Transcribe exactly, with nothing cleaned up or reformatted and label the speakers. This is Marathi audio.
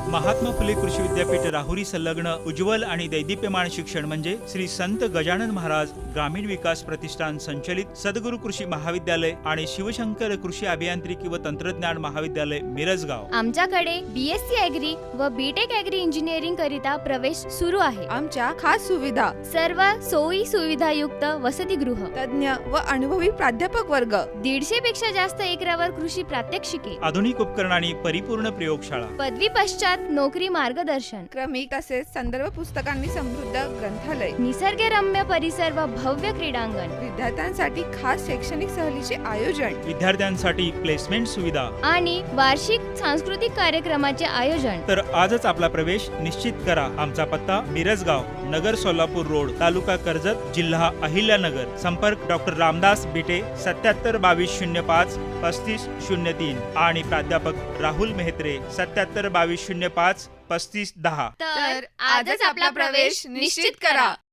Speaker 1: महात्मा फुले कृषी विद्यापीठ राहुरी संलग्न उज्ज्वल आणि दैदिप्यमान शिक्षण म्हणजे श्री संत गजानन महाराज ग्रामीण विकास प्रतिष्ठान संचलित सद्गुरू कृषी महाविद्यालय आणि शिवशंकर कृषी अभियांत्रिकी व तंत्रज्ञान महाविद्यालय मिरजगाव।
Speaker 2: आमच्याकडे बीएससी ॲग्री व बीटेक ॲग्री इंजिनिअरिंग करिता प्रवेश सुरू आहे।
Speaker 3: आमच्या खास सुविधा,
Speaker 2: सर्व सोयी सुविधायुक्त वसतिगृह,
Speaker 3: तज्ञ व अनुभवी प्राध्यापक वर्ग,
Speaker 2: दीडशे पेक्षा जास्त एकरावर कृषी प्रात्यक्षिके,
Speaker 1: आधुनिक उपकरणांनी परिपूर्ण प्रयोगशाळा,
Speaker 2: पदवी पश्चात नोकरी मार्गदर्शन,
Speaker 3: क्रमिक तसेच संदर्भ पुस्तकांनी समृद्ध ग्रंथालय,
Speaker 2: निसर्गरम्य परिसर व भव्य क्रीडांगण,
Speaker 3: विद्यार्थ्यांसाठी खास शैक्षणिक सहलीचे आयोजन,
Speaker 1: विद्यार्थ्यांसाठी प्लेसमेंट सुविधा
Speaker 2: आणि वार्षिक सांस्कृतिक कार्यक्रमाचे आयोजन।
Speaker 1: तर आजच आपला प्रवेश निश्चित करा। आमचा पत्ता मिरजगाव, नगर सोलापूर रोड, तालुका कर्जत, जिल्हा अहिल्यानगर। संपर्क डॉक्टर रामदास बिटे सत्याहत्तर बावीस शून्य पाच पस्तीस शून्य तीन आणि प्राध्यापक राहुल मेहत्रे सत्याहत्तर बावीस शून्य पाच पस्तीस दहा।
Speaker 2: तर आजच आपला प्रवेश निश्चित करा।